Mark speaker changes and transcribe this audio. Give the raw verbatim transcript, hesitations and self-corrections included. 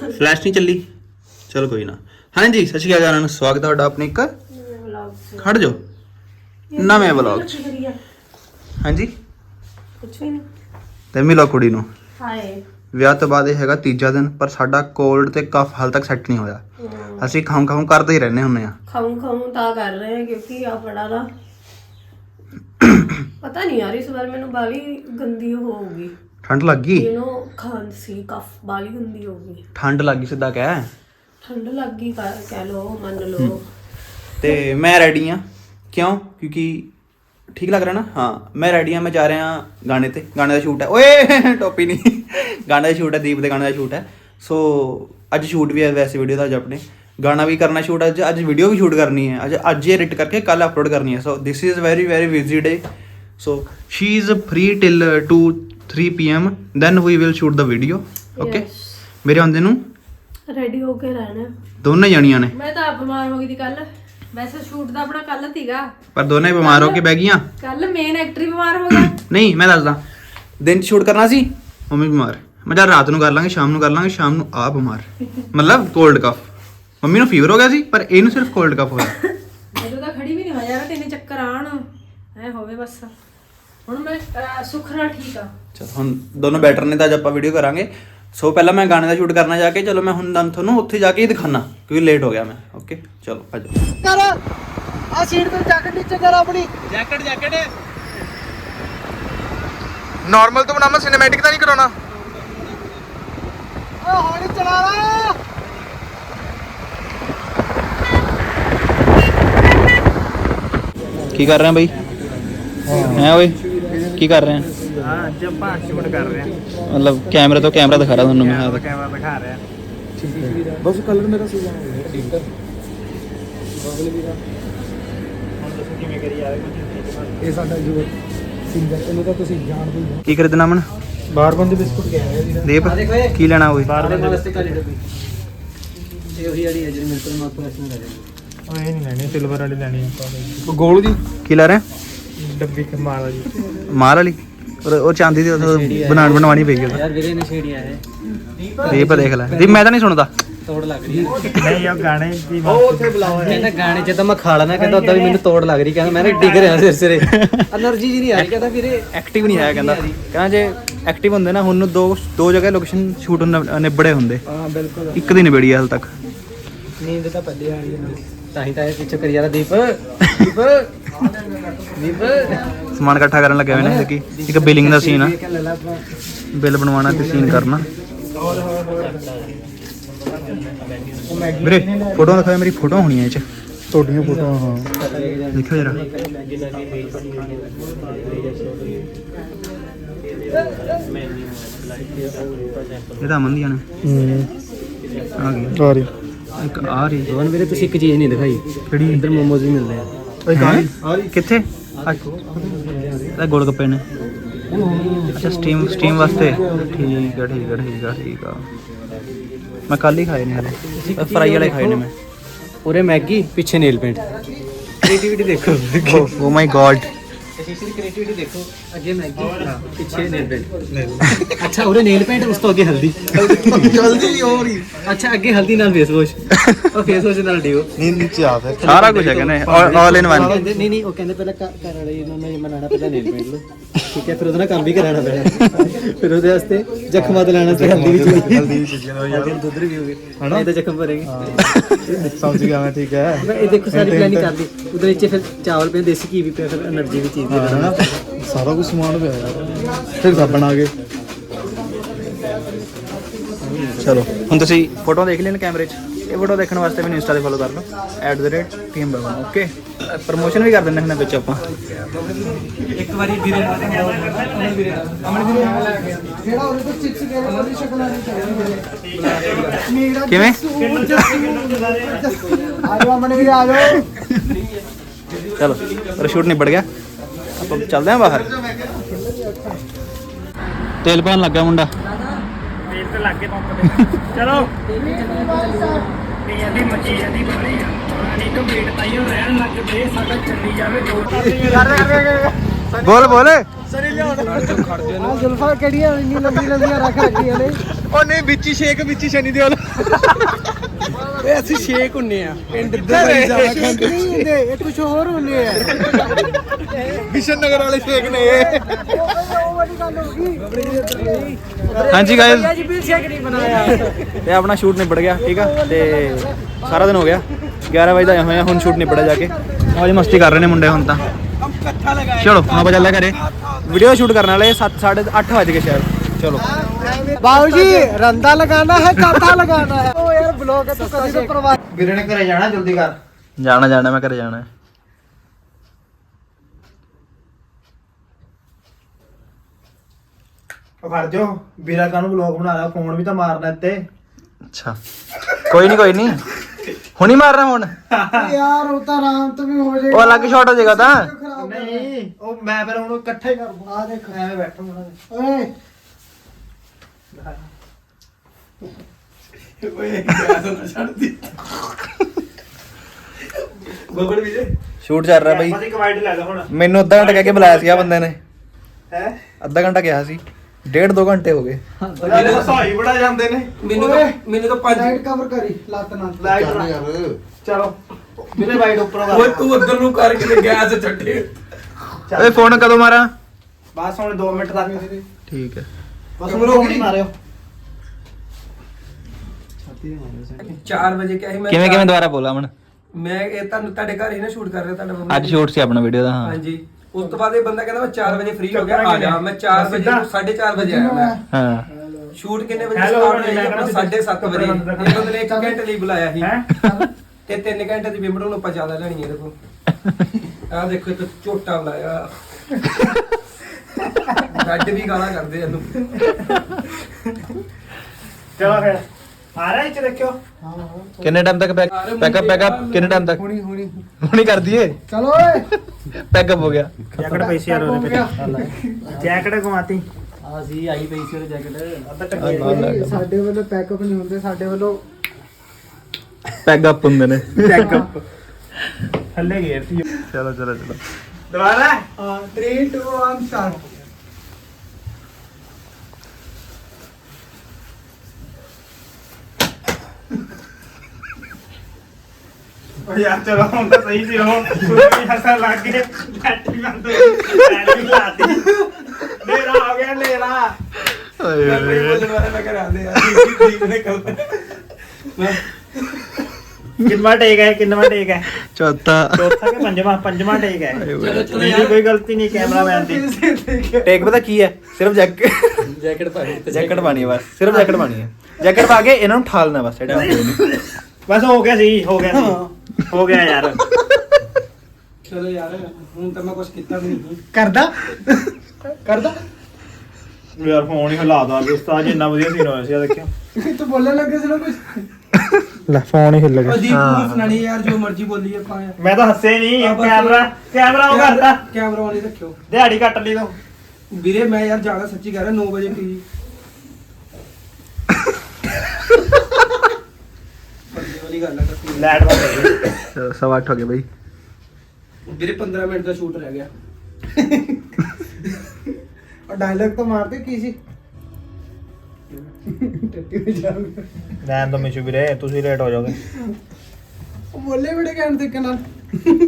Speaker 1: Flash ਨਹੀਂ ਚੱਲੀ, ਚਲੋ ਕੋਈ ਨਾ। ਹਾਂਜੀ ਸਤਿ ਸ਼੍ਰੀ ਅਕਾਲ ਸਾਰਿਆਂ ਨੂੰ, ਸਵਾਗਤ ਹੈ ਤੁਹਾਡਾ ਆਪਣੇ ਇੱਕ ਖੜ ਜਾਓ ਨਵੇਂ ਵਲੌਗ 'ਚ। ਹਾਂਜੀ
Speaker 2: ਕੁਛ ਵੀ ਨਹੀਂ
Speaker 1: ਤੇ ਮਿਲੋ ਕੁੜੀ ਨੂੰ।
Speaker 2: ਹਾਏ
Speaker 1: ਵਿਆਹ ਤੋਂ ਬਾਅਦ ਇਹ ਹੈਗਾ ਤੀਜਾ ਦਿਨ, ਪਰ ਸਾਡਾ ਕੋਲਡ ਤੇ ਕਫ ਹਾਲ ਤੱਕ ਸੈੱਟ ਨਹੀਂ ਹੋਇਆ। ਅਸੀਂ ਖਾਉਂ ਖਾਉਂ ਕਰਦੇ ਹੀ ਰਹਿੰਦੇ ਹੁੰਦੇ ਆ।
Speaker 2: ਖਾਉਂ ਖਾਉਂ ਤਾਂ ਕਰ ਰਹੇ ਹਾਂ ਕਿਉਂਕਿ ਆ ਬੜਾ ਨਾ ਪਤਾ ਨਹੀਂ ਯਾਰ, ਇਸ ਵਾਰ ਮੈਨੂੰ ਬਾਲੀ ਗੰਦੀ ਹੋਊਗੀ।
Speaker 1: ਠੰਡ ਲੱਗ ਗਈ,
Speaker 2: ਯੂ نو ਖਾਂਸੀ ਕਫ ਬਾਲੀ ਗੰਦੀ ਹੋਊਗੀ।
Speaker 1: ਠੰਡ ਲੱਗ ਗਈ ਸਿੱਧਾ ਕਹਿ।
Speaker 2: ਠੰਡ ਲੱਗ ਗਈ ਕਹਿ ਲੋ, ਮੰਨ ਲਓ।
Speaker 1: ਤੇ ਮੈਂ ਰੈਡੀ ਆ, ਕਿਉਂ? ਕਿਉਂਕਿ ਠੀਕ ਲੱਗ ਰਿਹਾ ਨਾ। ਹਾਂ ਮੈਂ ਰੈਡੀ ਆ, ਮੈਂ ਜਾ ਰਿਹਾ ਗਾਣੇ ਤੇ। ਗਾਣੇ ਦਾ ਸ਼ੂਟ ਹੈ, ਓਏ ਟੋਪੀ ਨਹੀਂ, ਗਾਣੇ ਦਾ ਸ਼ੂਟ ਹੈ, ਦੀਪ ਦੇ ਗਾਣੇ ਦਾ ਸ਼ੂਟ ਹੈ। ਸੋ ਅੱਜ ਸ਼ੂਟ ਵੀ ਹੈ ਵੈਸੇ ਵੀਡੀਓ ਦਾ, ਅੱਜ ਆਪਣੇ ਗਾਣਾ ਵੀ ਕਰਨਾ ਸ਼ੂਟ, ਅੱਜ ਅੱਜ ਵੀਡੀਓ ਵੀ ਸ਼ੂਟ ਕਰਨੀ ਹੈ। ਅੱਜ ਅੱਜ ਹੀ ਐਡਿਟ ਕਰਕੇ ਕੱਲ ਅਪਲੋਡ ਕਰਨੀ ਹੈ। So this is very very busy day. So she is free till two three P M, then we will shoot the video. Okay, ਮੇਰੇ ਆਉਂਦੇ ਨੂੰ
Speaker 2: ਰੈਡੀ ਹੋ ਕੇ ਰਹਿਣਾ।
Speaker 1: ਦੋਨੇ ਜਾਣੀਆਂ ਨੇ।
Speaker 2: ਮੈਂ ਤਾਂ ਬਿਮਾਰ ਹੋ ਗਈ ਸੀ ਕੱਲ, ਵੈਸੇ ਸ਼ੂਟ ਦਾ ਆਪਣਾ ਕੱਲ ਸੀਗਾ,
Speaker 1: ਪਰ ਦੋਨੇ ਬਿਮਾਰ ਹੋ ਕੇ ਬਹਿ ਗਈਆਂ।
Speaker 2: ਕੱਲ ਮੇਨ ਐਕਟਰ ਹੀ ਬਿਮਾਰ ਹੋ ਗਿਆ।
Speaker 1: ਨਹੀਂ ਮੈਂ ਦੱਸਦਾ, ਦਿਨ 'ਚ ਸ਼ੂਟ ਕਰਨਾ ਸੀ, ਮੰਮੀ ਬਿਮਾਰ। ਮੈਂ ਕਿਹਾ ਰਾਤ ਨੂੰ ਕਰ ਲਾਂਗੇ, ਸ਼ਾਮ ਨੂੰ ਕਰ ਲਾਂਗੇ। ਸ਼ਾਮ ਨੂੰ ਆ ਬਿਮਾਰ, ਮਤਲਬ ਕੋਲਡ ਕਫ। ਮੰਮੀ ਨੂੰ ਫੀਵਰ ਹੋ ਗਿਆ ਸੀ, ਪਰ ਇਹਨੂੰ ਸਿਰਫ ਕੋਲਡ ਕਫ ਹੋਇਆ।
Speaker 2: ਜਦੋਂ ਤਾਂ ਖੜੀ ਵੀ ਨਹੀਂ ਹੋਇਆ ਯਾਰ, ਤਿੰਨ ਚੱਕਰ ਆਣ ਐ ਹੋਵੇ ਬਸ। ਹੁਣ ਮੈਂ ਸੁੱਖ ਨਾਲ ਠੀਕ ਆ।
Speaker 1: ਚਲ ਹੁਣ ਦੋਨੋਂ ਬੈਟਰ ਨੇ ਤਾਂ ਅੱਜ ਆਪਾਂ ਵੀਡੀਓ ਕਰਾਂਗੇ। ਸੋ ਪਹਿਲਾਂ ਮੈਂ ਗਾਣੇ ਦਾ ਸ਼ੂਟ ਕਰਨਾ ਜਾ ਕੇ, ਚਲੋ ਮੈਂ ਹੁਣ ਤੁਹਾਨੂੰ ਉੱਥੇ ਜਾ ਕੇ ਹੀ ਦਿਖਾਣਾ, ਕਿਉਂਕਿ ਲੇਟ ਹੋ ਗਿਆ ਮੈਂ। ਓਕੇ ਚਲੋ ਆ ਜਾਓ।
Speaker 3: ਕਰ ਆ ਸੀਟ ਤੇ ਜੈਕਟ ਨੀਚੇ ਕਰ ਆਪਣੀ
Speaker 1: ਜੈਕਟ ਜੈਕਟ ਨਾਰਮਲ ਤੋਂ ਬਣਾਉਣਾ, ਸਿਨੇਮੈਟਿਕ ਤਾਂ ਨਹੀਂ ਕਰਾਉਣਾ।
Speaker 3: ਓ ਹੌਲੀ ਚਲਾ ਲਾ।
Speaker 1: ਕੀ ਕਰ ਰਹੇ ਆ ਬਈ? ਹੈ ਓਏ ਕੀ ਕਰ ਰਹੇ ਆ?
Speaker 3: ਹਾਂ ਅੱਜ ਆਪਾਂ ਸ਼ੂਟ ਕਰ ਰਹੇ ਹਾਂ,
Speaker 1: ਮਤਲਬ ਕੈਮਰੇ ਤੋਂ ਕੈਮਰਾ ਦਿਖਾ ਰਿਹਾ ਤੁਹਾਨੂੰ ਮੈਂ। ਹਾਂ
Speaker 3: ਕੈਮਰਾ ਦਿਖਾ ਰਿਹਾ। ਠੀਕ ਹੈ ਬਸ ਕਲਰ ਮੇਰਾ ਸਹੀ ਆ। ਠੀਕ ਹੈ ਬਗਲ ਵੀਰਾ ਹੁਣ ਦੱਸੋ ਕਿਵੇਂ ਕਰੀ ਜਾਵੇ। ਇਹ ਸਾਡਾ ਜੋ ਸਿੰਗਰ, ਇਹਨੂੰ ਤਾਂ ਤੁਸੀਂ ਜਾਣਦੇ ਹੀ ਹੋ।
Speaker 1: ਕੀ ਕਰੇ ਦਿਨ ਅਮਨ?
Speaker 3: ਬਾਰ ਬੰਦੇ ਬਿਸਕੁਟ ਕਹਿ ਰਿਹਾ ਵੀਰਾ।
Speaker 1: ਦੀਪ ਕੀ ਲੈਣਾ ਓਏ?
Speaker 3: ਬਾਰ ਬੰਦੇ ਵਾਸਤੇ ਕਾਲੀ ਡੱਬੀ ਇਹ ਉਹੀ ਵਾਲੀ ਹੈ ਜਿਹੜੀ ਮੇਰੇ ਕੋਲ ਮਾਤਰ ਐਸਨ ਲੈ ਜਾਣੀ। ਉਹ ਇਹ ਨਹੀਂ ਲੈਣੀ, ਸਿਲਵਰ ਵਾਲੀ ਲੈਣੀ ਆਪਾਂ। ਗੋਲ ਦੀ
Speaker 1: ਕੀ ਲੈ ਰਹੇ?
Speaker 3: ਡੱਬੀ ਕਮਾਲ ਵਾਲੀ,
Speaker 1: ਮਾਰ ਵਾਲੀ। ਔਰ ਉਹ ਚਾਂਦੀ ਦੀ ਬਣਾਉਣ ਬਣਵਾਣੀ ਪਈ ਉਹਦਾ।
Speaker 3: ਯਾਰ ਵੀਰੇ ਨਸ਼ੇੜੀ ਆ ਇਹ।
Speaker 1: ਦੀਪ ਦੇਖ ਲੈ, ਦੀਪ ਮੈਂ ਤਾਂ ਨਹੀਂ ਸੁਣਦਾ।
Speaker 3: ਤੋੜ ਲੱਗ ਰਹੀ ਹੈ। ਨਹੀਂ ਉਹ ਗਾਣੇ ਦੀ ਉਹ ਉੱਥੇ ਬੁਲਾਓ। ਕਹਿੰਦਾ ਗਾਣੇ ਚ ਤਾਂ ਮੈਂ ਖਾ ਲੈਣਾ, ਕਹਿੰਦਾ ਉਦਾਂ ਵੀ ਮੈਨੂੰ ਤੋੜ ਲੱਗ ਰਹੀ। ਕਹਿੰਦਾ ਮੈਂ ਨਾ ਡਿੱਗ ਰਿਹਾ ਸਿਰ ਸਿਰੇ, એનર્ਜੀ ਜੀ ਨਹੀਂ ਆ ਰਹੀ। ਕਹਿੰਦਾ ਵੀਰੇ
Speaker 1: ਐਕਟਿਵ ਨਹੀਂ ਹੈ। ਕਹਿੰਦਾ ਕਹਿੰਦਾ ਜੇ ਐਕਟਿਵ ਹੁੰਦੇ ਨਾ, ਹੁਣ ਨੂੰ ਦੋ ਦੋ ਜਗ੍ਹਾ ਲੋਕੇਸ਼ਨ ਸ਼ੂਟ ਨਿਬੜੇ ਹੁੰਦੇ।
Speaker 3: ਹਾਂ ਬਿਲਕੁਲ,
Speaker 1: ਇੱਕ ਦੀ ਨਿਬੜੀ ਹਾਲ ਤੱਕ।
Speaker 3: ਨੀਂਦ ਤਾਂ ਪੱਲੇ ਆ ਰਹੀ ਹੈ, ਤਾਂ ਹੀ ਤਾਂ ਇਹ ਪਿੱਛੇ ਕਰੀ ਜਾਂਦਾ। ਦੀਪ ਦੀਪ ਦੀਪ
Speaker 1: ਸਮਾਨ ਇਕੱਠਾ ਕਰਨ ਲੱਗੇ ਹੋਏ ਨੇ। ਕਿ ਇੱਕ ਬਿਲਿੰਗ ਦਾ ਸੀਨ ਆ, ਬਿੱਲ ਬਣਵਾਉਣਾ ਤੇ ਸੀਨ ਕਰਨਾ। ਵੀਰੇ ਫੋਟੋ ਦਿਖਾਓ, ਮੇਰੀ ਫੋਟੋ ਹੋਣੀ ਹੈ ਇਹ 'ਚ।
Speaker 3: ਤੁਹਾਡੀਆਂ ਫੋਟੋਆਂ? ਹਾਂ
Speaker 1: ਦੇਖਿਓ ਜਰਾ। ਇਹ ਤਾਂ ਅਮਨ ਦੀਆਂ ਨੇ। ਆ ਗਈ
Speaker 3: ਆ ਰਹੀ
Speaker 1: ਇੱਕ ਆ ਰਹੀ।
Speaker 3: ਦੋਨ ਵੀਰੇ ਤੁਸੀਂ ਇੱਕ ਚੀਜ਼ ਨਹੀਂ ਦਿਖਾਈ।
Speaker 1: ਕਿਹੜੀ?
Speaker 3: ਇੱਧਰ ਮੋਮੋਜ਼ ਵੀ ਮਿਲਦੇ ਆ।
Speaker 1: ਹੈਂ? ਕਿੱਥੇ? ਇਹ ਗੋਲ ਗੱਪੇ ਨੇ। ਅੱਛਾ ਸਟੀਮ ਸਟੀਮ ਵਾਸਤੇ। ਠੀਕ ਆ ਠੀਕ ਆ ਠੀਕ ਆ ਠੀਕ ਆ। ਮੈਂ ਕੱਲ ਹੀ ਖਾਏ ਨੇ ਹਲੇ, ਫਰਾਈ ਵਾਲੇ ਖਾਏ ਨੇ ਮੈਂ।
Speaker 3: ਉਰੇ ਮੈਗੀ, ਪਿੱਛੇ ਨੇਲ ਪੇਂਟ। ਕ੍ਰੀਏਟੀਵਿਟੀ ਦੇਖੋ।
Speaker 1: ਓ ਮਾਈ ਗॉड।
Speaker 3: ਕ੍ਰੀਏਟੀਵਿਟੀ ਦੇਖੋ। ਅੱਗੇ ਮੈਗੀ, ਪਿੱਛੇ ਨੇਲ ਪੇਂਟ। ਅੱਛਾ ਉਰੇ ਨੇਲ ਪੇਂਟ, ਉਸ ਤੋਂ ਅੱਗੇ ਹਲਦੀ।
Speaker 1: ਜਲਦੀ ਹੋ ਰਹੀ।
Speaker 3: ਅੱਛਾ ਅੱਗੇ ਹਲਦੀ ਨਾਲ ਫੇਸ ਵਾਸ਼, ਉਹ ਫੇਸ ਵਾਸ਼ ਨਾਲ ਡਿਓ।
Speaker 1: ਨਹੀਂ ਨੀਚੇ ਆ ਫਿਰ ਸਾਰਾ ਕੁਝ ਹੈ ਕਹਿੰਦੇ ਆਲ ਇਨ ਵਨ।
Speaker 3: ਕਹਿੰਦੇ ਨਹੀਂ ਨਹੀਂ, ਉਹ ਕਹਿੰਦੇ ਪਹਿਲਾਂ ਘਰ ਵਾਲੇ ਇਹਨਾਂ ਨੇ ਮਨਾਣਾ, ਪਹਿਲਾਂ ਨੇਲ ਪੇਂਟ ਲਓ। ਠੀਕ ਹੈ, ਫਿਰ ਉਹਦਾ ਨਾਲ ਕੰਮ ਵੀ ਕਰਾਉਣਾ ਪੈਣਾ। ਫਿਰ ਉਹਦੇ ਵਾਸਤੇ ਜ਼ਖਮਾਂ ਤੇ ਲਾਣਾ ਤੇ ਹਲਦੀ ਵੀ ਚਾਹੀਦੀ। ਹਲਦੀ ਵੀ ਚਾਹੀਦੀ ਯਾਰ, ਦੁੱਧ ਵੀ ਹੋਵੇ ਹਨਾ, ਇਹਦਾ ਜ਼ਖਮ ਭਰੇਗੀ। ਸਮਝ ਗਿਆ ਮੈਂ, ਠੀਕ ਹੈ। ਮੈਂ ਇਹ ਦੇਖੋ ਸਾਰੀ ਪਲੈਨਿੰਗ ਕਰ ਲਈ। ਉਹਦੇ ਵਿੱਚ ਫਿਰ ਚਾਵਲ ਪਏ, ਦੇਸੀ ਘੀ ਵੀ ਪਿਆ, ਫਿਰ એનર્ਜੀ ਵੀ ਚੀਜ਼ ਦੇ ਦੇਣਾ। ਸਾਰਾ ਕੁਝ ਸਮਾਨ ਪਿਆ ਯਾਰ। ਫਿਰ ਸਾਬਣ ਆ ਗਏ।
Speaker 1: ਚਲੋ ਹੁਣ ਤੁਸੀਂ ਫੋਟੋ ਦੇਖ ਲੈਣ ਕੈਮਰੇ 'ਚ। ਇਹ ਫੋਟੋ ਦੇਖਣ ਵਾਸਤੇ ਮੈਨੂੰ ਇੰਸਟਾ ਤੇ ਫੋਲੋ ਕਰ ਲਓ, at the rate team Balwan. Okay, promotion ਵੀ ਕਰ ਦਿੰਦੇ ਹੁੰਦੇ ਵਿੱਚ ਆਪਾਂ।
Speaker 3: ਇੱਕ ਵਾਰੀ ਵੀਰੇ ਨਾਲ ਅਮਨ ਵੀਰੇ ਨਾਲ ਅਮਨ ਵੀਰੇ ਨਾਲ ਲੈ ਗਿਆ ਜਿਹੜਾ ਉਹਦੇ ਤੋਂ ਚਿਪਸ ਕਹਿ ਰਿਹਾ, ਉਹਦੀ ਸ਼ਕਲ ਆ ਰਹੀ ਹੈ।
Speaker 1: ਕਿਵੇਂ?
Speaker 3: ਆ ਜਾਓ ਅਮਨ ਵੀਰੇ, ਆ ਜਾਓ।
Speaker 1: ਚਲੋ ਪਰ ਸ਼ੂਟ ਨਿਬੜ ਗਿਆ, ਆਪਾਂ ਚੱਲਦੇ ਹਾਂ ਬਾਹਰ। ਤੇਲ ਪਾਣ ਲੱਗਾ ਮੁੰਡਾ।
Speaker 3: ਤੇਲ ਤੇ ਲੱਗ ਗਏ ਪੰਪ ਤੇ। ਚਲੋ ਇਹਦੀ ਮੱਛੀ ਇਹਦੀ ਬੜੀ ਆ, ਪਾਣੀ ਕੰਪਲੀਟ ਤਾਈਓ ਰਹਿਣ ਲੱਗ ਪਏ। ਸਾਡਾ ਚੱਲੀ ਜਾਵੇ ਦੋ ਕਰ
Speaker 1: ਬੋਲ ਬੋਲ
Speaker 3: ਆ ਜ਼ੁਲਫਾਂ ਕਿਹੜੀਆਂ ਇੰਨੀ ਲੰਬੀ ਲੰਬੀਆਂ ਰੱਖ ਰੱਖੀਆਂ ਨੇ
Speaker 1: ਉਹ ਨਹੀਂ ਵਿੱਚ ਹੀ ਸ਼ੇਕ ਵਿੱਚ ਹੀ ਸ਼ਨੀ ਦਿਓਲ
Speaker 3: ਓਏ ਅਸੀਂ ਸ਼ੇਕ ਹੁੰਨੇ ਆ ਪਿੰਡ ਦੇ ਬਈ ਜ਼ਿਆਦਾ ਖਾਂਦੇ ਨਹੀਂ ਹੁੰਦੇ ਇਹ ਕੁਝ ਹੋਰ ਹੁੰਨੇ ਆ
Speaker 1: ਕਿਸ਼ਨ ਨਗਰ ਵਾਲੇ ਸ਼ੇਕ ਨੇ
Speaker 3: ਉਹ ਵਾਲੀ ਗੱਲ ਹੋ ਗਈ
Speaker 1: ਹਾਂਜੀ ਗਾਇਸ
Speaker 3: ਅੱਜ ਵੀ ਸ਼ੇਕ ਨਹੀਂ ਬਣਾਇਆ
Speaker 1: ਤੇ ਆਪਣਾ ਸ਼ੂਟ ਨਿਬੜ ਗਿਆ ਠੀਕ ਆ ਤੇ ਸਾਰਾ ਦਿਨ ਹੋ ਗਿਆ ਗਿਆਰਾਂ ਵਜੇ ਦਾ ਆਏ ਹੋਏ ਆ ਹੁਣ ਸ਼ੂਟ ਨਿਬੜਿਆ ਜਾ ਕੇ ਮौज ਮਸਤੀ ਕਰ ਰਹੇ ਨੇ ਮੁੰਡੇ ਹੁਣ ਤਾਂ ਚਲੋ ਹੁਣ ਆਪਾਂ ਚੱਲਿਆ ਘਰੇ ਵੀਡੀਓ ਸ਼ੂਟ ਕਰਨ ਵਾਲੇ ਸੱਤ ਸਾਢੇ ਅੱਠ ਵਜ ਗਏ ਸ਼ਾਇਦ ਚਲੋ
Speaker 3: बाबूजी रंदा लगाना है काथा लगाना है ओ यार ब्लॉग है तो कभी तो परवाह
Speaker 1: ਵੀਰੇ ਨੇ ਘਰੇ ਜਾਣਾ ਜਲਦੀ ਕਰ ਜਾਣਾ ਜਾਣਾ ਮੈਂ ਘਰੇ ਜਾਣਾ
Speaker 4: ਉਹ ਕਰ ਜੋ ਵੀਰਾ ਕਾਨੂੰ ਵਲੌਗ ਬਣਾ ਰਿਹਾ ਫੋਨ ਵੀ ਤਾਂ ਮਾਰਨਾ ਇੱਥੇ
Speaker 1: ਅੱਛਾ ਕੋਈ ਨਹੀਂ ਕੋਈ ਨਹੀਂ ਹੁਣੀ ਮਾਰਨਾ ਹੁਣ
Speaker 3: यार होता आराम तो भी हो जाएगा
Speaker 1: ਉਹ ਅਲੱਗ ਸ਼ਾਟ ਹੋ ਜਾਏਗਾ ਤਾਂ
Speaker 4: ਨਹੀਂ ਉਹ ਮੈਂ ਫਿਰ ਹੁਣ ਇਕੱਠੇ ਕਰ ਦੂੰ
Speaker 3: आ देख
Speaker 4: ਐਵੇਂ ਬੈਠੂਗਾ
Speaker 3: ओए
Speaker 4: ਓਏ ਗੈਸ ਨਾ ਛੱਡਦੀ ਗੋਗੜ ਵੀ ਜੇ
Speaker 1: ਸ਼ੂਟ ਚੱਲ ਰਿਹਾ ਬਈ
Speaker 4: ਬਸ ਇੱਕ ਵਾਈਡ ਲੈ ਲੈ ਹੁਣ
Speaker 1: ਮੈਨੂੰ ਅੱਧਾ ਘੰਟਾ ਕਹਿ ਕੇ ਬੁਲਾਇਆ ਸੀ ਆ ਬੰਦੇ ਨੇ
Speaker 4: ਹੈ
Speaker 1: ਅੱਧਾ ਘੰਟਾ ਕਿਹਾ ਸੀ ਡੇਢ ਦੋ ਘੰਟੇ ਹੋ ਗਏ
Speaker 4: ਉਹਦੇ ਸਹਾਈ ਬੜਾ ਜਾਂਦੇ ਨੇ
Speaker 3: ਮੈਨੂੰ ਤਾਂ ਮੈਨੂੰ ਤਾਂ ਪੰਜ ਲਾइट कवर करी लात ना
Speaker 4: ਲਾਈਟ ਚਲੋ ਵੀਰੇ ਵਾਈਡ ਉੱਪਰ ਕਰ
Speaker 3: ਓਏ ਤੂੰ ਉਧਰ ਨੂੰ ਕਰ ਕੇ ਗੈਸ ਛੱਡੇ
Speaker 1: ਓਏ ਫੋਨ ਕਦੋਂ ਮਾਰਾਂ
Speaker 4: ਬਸ ਹੁਣ ਦੋ ਮਿੰਟ ਤੱਕ
Speaker 1: ਠੀਕ ਹੈ
Speaker 4: ਬਸ ਮਰੋ ਨਹੀਂ ਮਾਰਿਓ
Speaker 3: ਚਾਰ ਵਜੇ ਕਿਹਾ ਸੀ ਮੈਂ
Speaker 1: ਕਿਵੇਂ ਕਿਵੇਂ ਦੁਬਾਰਾ ਬੋਲਾ ਮਨ
Speaker 3: ਮੈਂ ਇਹ ਤੁਹਾਨੂੰ ਤੁਹਾਡੇ ਘਰ ਹੀ ਨਾ ਸ਼ੂਟ ਕਰ ਰਿਹਾ ਤੁਹਾਡਾ ਮੰਮੀ
Speaker 1: ਅੱਜ ਸ਼ੂਟ ਸੀ ਆਪਣਾ ਵੀਡੀਓ ਦਾ ਹਾਂ
Speaker 3: ਹਾਂਜੀ ਉਸ ਤੋਂ ਬਾਅਦ ਇਹ ਬੰਦਾ ਕਹਿੰਦਾ ਮੈਂ ਚਾਰ ਵਜੇ ਫ੍ਰੀ ਹੋ ਗਿਆ ਆ ਜਾ ਮੈਂ ਚਾਰ ਵਜੇ ਸਾਢੇ ਚਾਰ ਵਜੇ ਆਇਆ ਮੈਂ
Speaker 1: ਹਾਂ
Speaker 3: ਸ਼ੂਟ ਕਿੰਨੇ ਵਜੇ
Speaker 4: Hello,
Speaker 3: ਸਟਾਰਟ ਹੋਈ
Speaker 4: ਮੈਂ
Speaker 3: ਆਪਣਾ
Speaker 4: ਕਹਿੰਦਾ
Speaker 3: ਸਾਢੇ ਸੱਤ ਵਜੇ ਇਹ ਬੰਦੇ ਨੇ ਇੱਕ ਘੰਟੇ ਲਈ ਬੁਲਾਇਆ ਸੀ
Speaker 4: ਹੈ
Speaker 3: ਤੇ ਤਿੰਨ ਘੰਟੇ ਦੀ ਵਿਮੜ ਨੂੰ ਆਪਾਂ ਜ਼ਿਆਦਾ ਲੈਣੀ ਹੈ ਦੇਖੋ ਆ ਦੇਖੋ ਇੱਕ ਝੋਟਾ ਬੁਲਾਇਆ ਗੱਡ ਵੀ ਗਾਲਾਂ ਕਰਦੇ ਇਹਨੂੰ
Speaker 4: ਚਲੋ ਫਿਰ ਆ ਰਿਹਾ ਇੱਥੇ ਦੇਖਿਓ
Speaker 1: ਕਿੰਨੇ ਟਾਈਮ ਤੱਕ ਪੈਕਅਪ ਪੈਕਅਪ ਕਿੰਨੇ ਟਾਈਮ ਤੱਕ
Speaker 3: ਹੁਣੀ ਹੁਣੀ
Speaker 1: ਹੁਣੀ ਕਰ ਦਈਏ
Speaker 3: ਚਲੋ ਓਏ
Speaker 1: ਪੈਕਅਪ ਹੋ ਗਿਆ
Speaker 4: ਜੈਕਟ ਪੈਸੇ ਯਾਰ ਉਹਦੇ ਵਿੱਚ ਜੈਕਟ ਘੁਮਾਤੀ
Speaker 3: ਆ ਸੀ ਆਈ ਪਈ ਸੀ ਉਹ ਜੈਕਟ
Speaker 4: ਅੱਧਾ ਟੱਕੇ
Speaker 3: ਸਾਡੇ ਵੱਲੋਂ ਪੈਕਅਪ ਨਹੀਂ ਹੁੰਦੇ ਸਾਡੇ ਵੱਲੋਂ
Speaker 1: ਪੈਕਅਪ ਹੁੰਦੇ ਨੇ
Speaker 4: ਚੈੱਕਅਪ ਥੱਲੇ ਗੇਰ ਸੀ
Speaker 1: ਚਲੋ ਚਲੋ ਚਲੋ
Speaker 4: ਦੁਬਾਰਾ
Speaker 3: ਹਾਂ three two one start
Speaker 4: ਓ ਯਾਰ ਚਲੋ ਹੁਣ ਤਾਂ ਸਹੀ ਸੀ ਉਹ ਕੁਝ ਹੱਸਣ ਲੱਗ ਗਏ ਬੈਟਰੀ ਬੰਦ ਹੋ ਗਈ ਬੈਟਰੀ ਲਾਤੀ ਨੇਰਾ ਆ ਗਿਆ ਨੇਰਾ
Speaker 3: ਮੈਂ ਕੋਈ ਬੋਲਣ ਵਾਲਾ ਮੈਂ ਕਰਾ ਦੇ ਯਾਰ ਠੀਕ ਨਿਕਲ ਮੈਂ
Speaker 4: ਕਿੰਨਾ ਟੇਕ ਹੈ ਕਿੰਨਾ ਟੇਕ ਹੈ
Speaker 1: ਚੌਥਾ
Speaker 4: ਚੌਥਾ ਕਿ ਪੰਜਵਾਂ ਪੰਜਵਾਂ ਟੇਕ ਹੈ
Speaker 3: ਚਲੋ ਚਲੋ
Speaker 4: ਮੇਰੀ ਕੋਈ ਗਲਤੀ ਨਹੀਂ ਕੈਮਰਾਮੈਨ ਦੀ
Speaker 1: ਟੇਕ ਪਤਾ ਕੀ ਹੈ ਸਿਰਫ ਜੈਕਟ
Speaker 3: ਜੈਕਟ ਪਾ ਲਈ
Speaker 1: ਜੈਕਟ ਪਾਣੀ ਹੈ ਬਸ ਸਿਰਫ ਜੈਕਟ ਪਾਣੀ ਹੈ ਜੈਕਟ ਪਾ ਕੇ ਇਹਨਾਂ ਨੂੰ ਠਾਲਣਾ ਬਸ ਇਹਦਾ
Speaker 4: ਬਸ ਹੋ ਗਿਆ ਸੀ ਹੋ ਗਿਆ ਸੀ ਹੋ ਗਿਆ ਯਾਰ
Speaker 3: ਚਲੋ ਯਾਰ ਹੁਣ ਤਾਂ ਮੈਂ ਕੁਝ ਕੀਤਾ ਵੀ ਨਹੀਂ
Speaker 1: ਕਰਦਾ ਕਰਦਾ
Speaker 4: ਯਾਰ ਫੋਨ ਹੀ ਹਿਲਾ ਦਾ ਉਸਤਾਦ ਜੀ ਇੰਨਾ ਵਧੀਆ ਸੀਨ ਹੋਇਆ ਸੀ ਆ ਦੇਖਿਓ
Speaker 3: ਤੂੰ ਬੋਲਣ ਲੱਗੇ ਸੀ ਨਾ ਕੁਝ
Speaker 4: ਲੈ ਫੋਨ ਹੀ ਹਿੱਲ
Speaker 3: ਅਜੀਬ ਨੂੰ ਸੁਣਾਣੀ ਯਾਰ ਜੋ ਮਰਜ਼ੀ ਬੋਲੀ ਆਪਾਂ ਯਾਰ
Speaker 4: ਮੈਂ ਤਾਂ ਹੱਸੇ ਨਹੀਂ ਕੈਮਰਾ ਕੈਮਰਾ ਉਹ ਕਰਦਾ
Speaker 3: ਕੈਮਰਾ ਵਾਲੀ ਰੱਖਿਓ
Speaker 4: ਦਿਹਾੜੀ ਕੱਟ ਲਈ ਤੂੰ
Speaker 3: ਵੀਰੇ ਮੈਂ ਯਾਰ ਜਾਣਾ ਸੱਚੀ ਕਹਿ ਰਿਹਾ ਨੌ ਵਜੇ ਪੀ ਬੰਦੇ ਵਾਲੀ ਗੱਲ ਹੈ
Speaker 4: ਲੈਟ ਬੰਦ ਹੋ ਗਈ
Speaker 1: ਸਵਾ ਅੱਠ ਹੋ ਗਏ ਬਈ
Speaker 3: ਵੀਰੇ ਪੰਦਰਾਂ ਮਿੰਟ ਦਾ ਸ਼ੂਟ ਰਹਿ ਗਿਆ
Speaker 2: और डायलॉग तो मारते किसी
Speaker 4: ਲੈਣ ਤੋਂ ਮਿਸ਼ੂ ਵੀਰੇ ਤੁਸੀਂ ਲੇਟ ਹੋ ਜਾਓਗੇ
Speaker 2: बोले बड़े कहने थे